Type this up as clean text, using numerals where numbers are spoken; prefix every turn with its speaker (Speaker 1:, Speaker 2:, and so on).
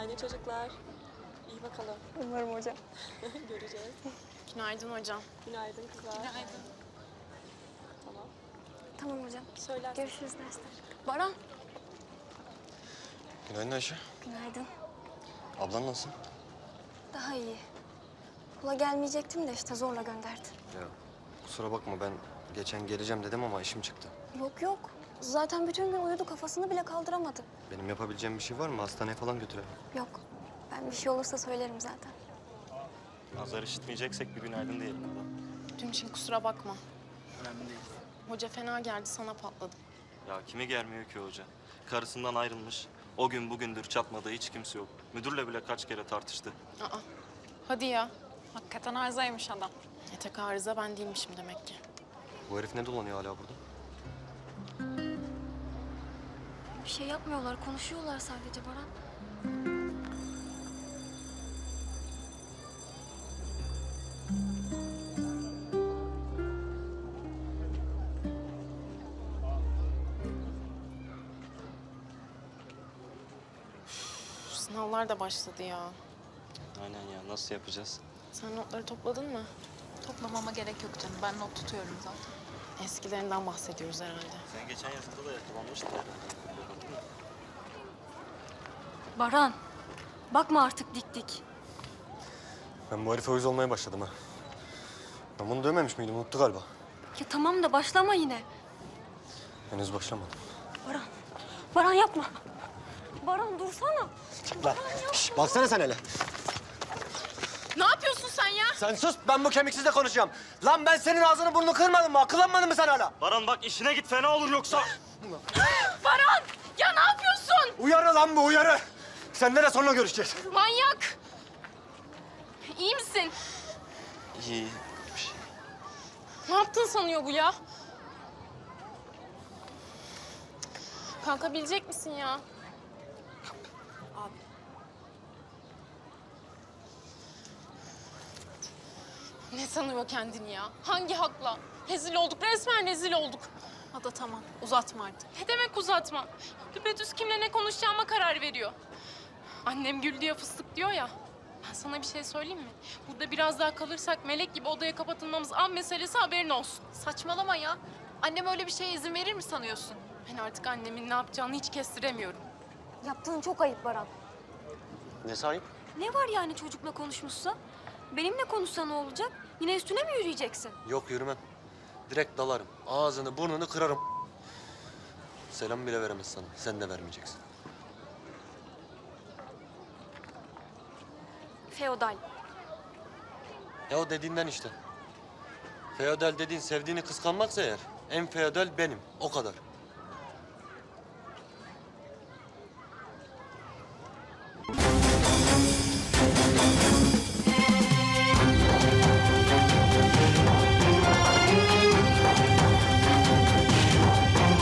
Speaker 1: Günaydın çocuklar. İyi bakalım.
Speaker 2: Umarım hocam.
Speaker 1: Göreceğiz.
Speaker 3: Günaydın hocam.
Speaker 1: Günaydın kızlar.
Speaker 3: Günaydın.
Speaker 1: Tamam.
Speaker 2: Tamam hocam.
Speaker 1: Söylersin.
Speaker 2: Görüşürüz dersler.
Speaker 3: Baran.
Speaker 4: Günaydın Ayşe.
Speaker 2: Günaydın.
Speaker 4: Ablan nasıl?
Speaker 2: Daha iyi. Okula gelmeyecektim de işte zorla gönderdi.
Speaker 4: Ya kusura bakma ben geçen geleceğim dedim ama işim çıktı.
Speaker 2: Yok yok. Zaten bütün gün uyudu, kafasını bile kaldıramadı.
Speaker 4: Benim yapabileceğim bir şey var mı? Hastaneye falan götürelim.
Speaker 2: Yok. Ben bir şey olursa söylerim zaten.
Speaker 5: Nazar işitmeyeceksek bir günaydın diyelim burada.
Speaker 3: Dün için kusura bakma.
Speaker 5: Önemli değil.
Speaker 3: Hoca fena geldi, sana patladım.
Speaker 5: Ya kimi gelmiyor ki hoca? Karısından ayrılmış. O gün bugündür çatmadığı hiç kimse yok. Müdürle bile kaç kere tartıştı.
Speaker 3: Aa, hadi ya.
Speaker 6: Hakikaten arızaymış adam.
Speaker 3: Tek arıza ben değilmişim demek ki.
Speaker 4: Bu herif ne dolanıyor hala burada?
Speaker 2: Bir şey yapmıyorlar, konuşuyorlar sadece Baran.
Speaker 3: Şu sınavlar da başladı ya.
Speaker 5: Aynen ya, nasıl yapacağız?
Speaker 3: Sen notları topladın mı?
Speaker 6: Toplamama gerek yok canım. Ben not tutuyorum zaten.
Speaker 3: Eskilerinden bahsediyoruz herhalde.
Speaker 5: Sen geçen yazıda da yakalanmıştın herhalde. Bakın mı?
Speaker 2: Baran, bakma artık dik dik.
Speaker 4: Ben bu herife uyuz olmaya başladım ha. Ben bunu dövmemiş miydim? Unuttu galiba.
Speaker 2: Ya tamam da başlama yine.
Speaker 4: Henüz başlamadım.
Speaker 2: Baran, Baran yapma. Baran dursana.
Speaker 4: Çık lan. Şş, baksana sen hele.
Speaker 3: Ne yapıyorsun sen ya?
Speaker 4: Sen sus, ben bu kemiksizle konuşacağım. Lan ben senin ağzını burnunu kırmadım mı? Akıllanmadın mı sen hala?
Speaker 5: Baran bak işine git, fena olur yoksa.
Speaker 3: Baran! Ya ne yapıyorsun?
Speaker 4: Uyarı lan bu, uyarı. Seninle de sonra görüşeceğiz.
Speaker 3: Manyak! İyi misin?
Speaker 5: İyi bir şey.
Speaker 3: Ne yaptın sanıyor bu ya? Kalkabilecek misin ya? Ne sanıyor kendini ya? Hangi hakla? Rezil olduk, resmen rezil olduk.
Speaker 6: Ada tamam. Uzatma artık.
Speaker 3: Ne demek uzatma? Düpedüz kimle ne konuşacağıma karar veriyor. Annem gül diye fıstık diyor ya. Ben sana bir şey söyleyeyim mi? Burada biraz daha kalırsak melek gibi odaya kapatılmamız an meselesi, haberin olsun.
Speaker 6: Saçmalama ya. Annem öyle bir şeye izin verir mi sanıyorsun?
Speaker 3: Ben artık annemin ne yapacağını hiç kestiremiyorum.
Speaker 2: Yaptığın çok ayıp Baran.
Speaker 4: Ne sahip?
Speaker 2: Ne var yani çocukla konuşmuşsa? Benimle konuşsa ne olacak? Yine üstüne mi yürüyeceksin?
Speaker 4: Yok yürümem. Direkt dalarım. Ağzını burnunu kırarım. Selam bile veremez sana. Sen de vermeyeceksin.
Speaker 2: Feodal.
Speaker 4: Ya o dediğinden işte. Feodal dediğin sevdiğini kıskanmaksa eğer en feodal benim. O kadar.